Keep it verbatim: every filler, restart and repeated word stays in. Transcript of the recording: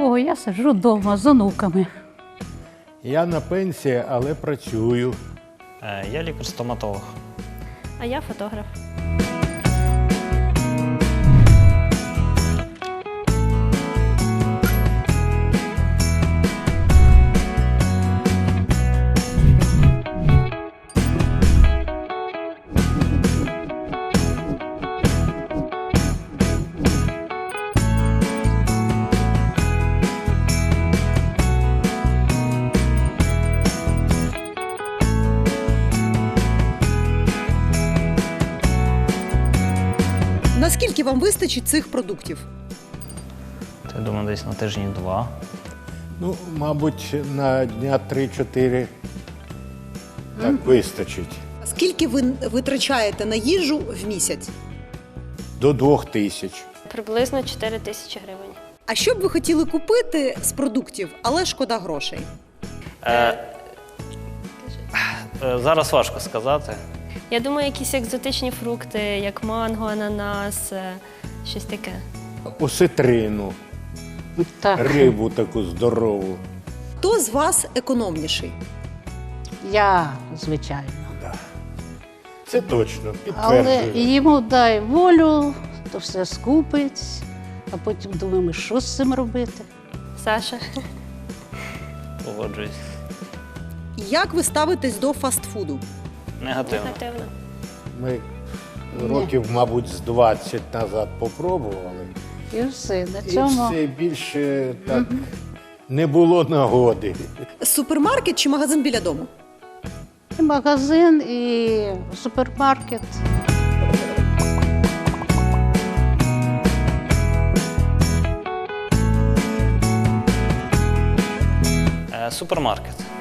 нічого, я сиджу вдома з онуками. Я на пенсії, але працюю. Е, Я лікар-стоматолог. А я фотограф. Наскільки вам вистачить цих продуктів? Я думаю, десь на тижні два. Ну, мабуть, на дня три-чотири так вистачить. Скільки ви витрачаєте на їжу в місяць? До двох тисяч. Приблизно чотири тисячі гривень. А що б ви хотіли купити з продуктів, але шкода грошей? Е, е, Зараз важко сказати. Я думаю, якісь екзотичні фрукти, як манго, ананас, е, щось таке. Осетрину, Так, рибу таку здорову. Хто з вас економніший? я, звичайно. Да. Це точно, Але підтверджую. йому дай волю, то все скупить, а потім думаємо, що з цим робити. Саша. Погоджуюсь. Як ви ставитесь до фастфуду? Негативно. Негативно. Ми років, мабуть, з двадцять назад попробували. І все, на І цьому. все більше так не було нагоди. Супермаркет чи магазин біля дому? І магазин, і супермаркет. Е, Супермаркет.